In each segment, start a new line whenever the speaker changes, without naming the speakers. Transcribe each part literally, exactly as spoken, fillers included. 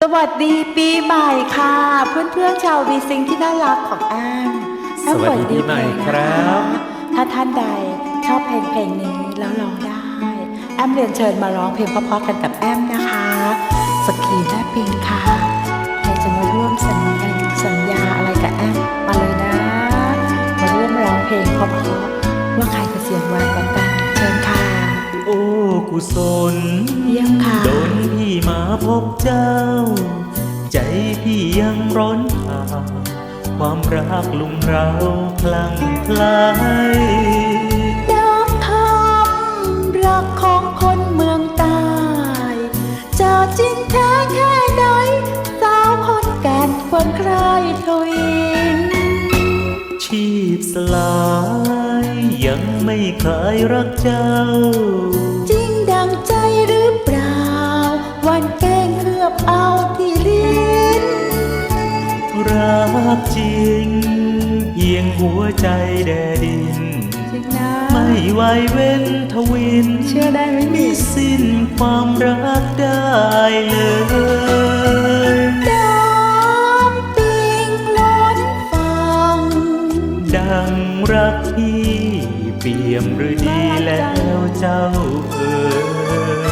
วัสดีปีใหม่ค่ะเพื่อนๆชาววีซิงที่น่ารักของแอมแอม
สวัสดีปีใหม่ครับ
ถ้าท่านใดชอบเพลงเพลงนี้แล้วร้องได้แอมเรียนเชิญมาร้องเพลงเพราะๆกันกับแอมนะคะสกีและปิงค่ะใครจะมาร่วมสัญญาสัญญาอะไรกับแอมมาเลยนะมาร่วมร้องเพลงเพราะๆว่าใครจะเสียงหวานกว่ากันเชิญค่ะ
โอ้กุศล
เยี่ยมค่ะ
โดนพี่มาพบเจ้า ใจพี่ยังร้อนเผาความรักลุมเราพลังพลาย
น้ำทำรักของคนเมืองใต้จะจริงแท้แค่ไหนสาวคนแก่นควรใครทวิน
ชีพสลายยังไม่คลายรักเจ้า
จริงดังใจหรือเปล่าวันแกล้งเคลือบเอาที่ลิ้น
รักจริงเพียงหัวใจแดดินไม่ไหวเว้นทวิน
เชื่อได้ไหม
มีสิ้นความรักได้เลย
น้ำปิงล้นฟัง
ดังรักพี่เปี่ยมหรือดีแล้วเจ้าเอ๋ย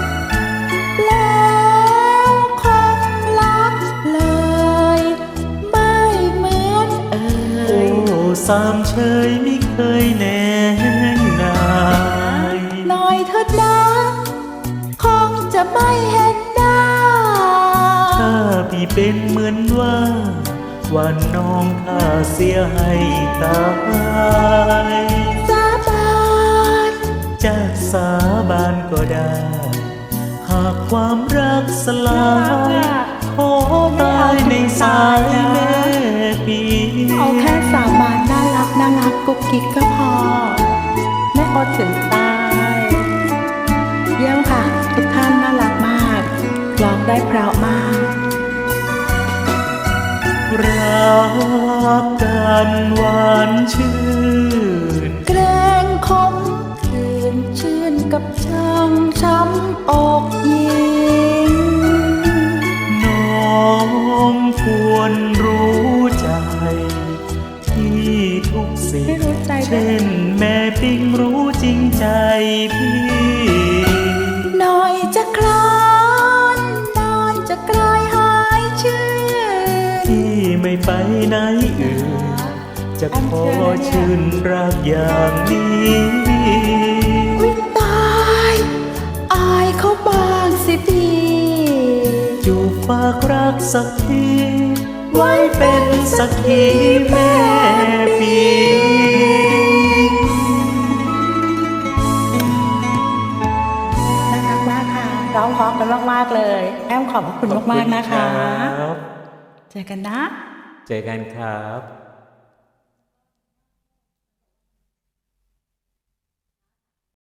แล้วคงรักเลยไม่เหมือนเอ่ย
โอ้สามเชยไม่เคยแน่นาย
หน่อยเถิดนะคงจะไม่เห็นหน้า
ถ้าพี่เป็นเหมือนว่าวันน้องข้าเสียให้ตาย
สาบาน
จะสาบานก็ได้หากความรักสลายขอตายในสายแม่ปี
เอาแค่สาบานน่ารักน่ารักกุ๊กกิ๊กก็พอไม่อดถึงตายเยี่ยมค่ะทุกท่านน่ารักมากร้องได้เพราะมาก
รักกันหวานชื่น
แกล้งคมคืนชื่นกับช่างช้ำอกยิง
น้องควรรู้ใจที่ทุกสิ่งเช่นแม่ปิ้งรู้จริงใจพี่
หน่อยจะคลานนอนจะกลายหายชื่อ
ที่ไม่ไปไหนอื่นจะขอชื่นรักอย่างนี้
อุ๊ยตายอายเขาบางสิพี่
จูบฝากรักสักทีไว้เป็นสักขีแม่ปี
น่ารักมากค่ะร้องเพราะกันมากๆเลยแอมขอบพระคุณมากๆนะคะเจอกันนะ
เจอกันครับ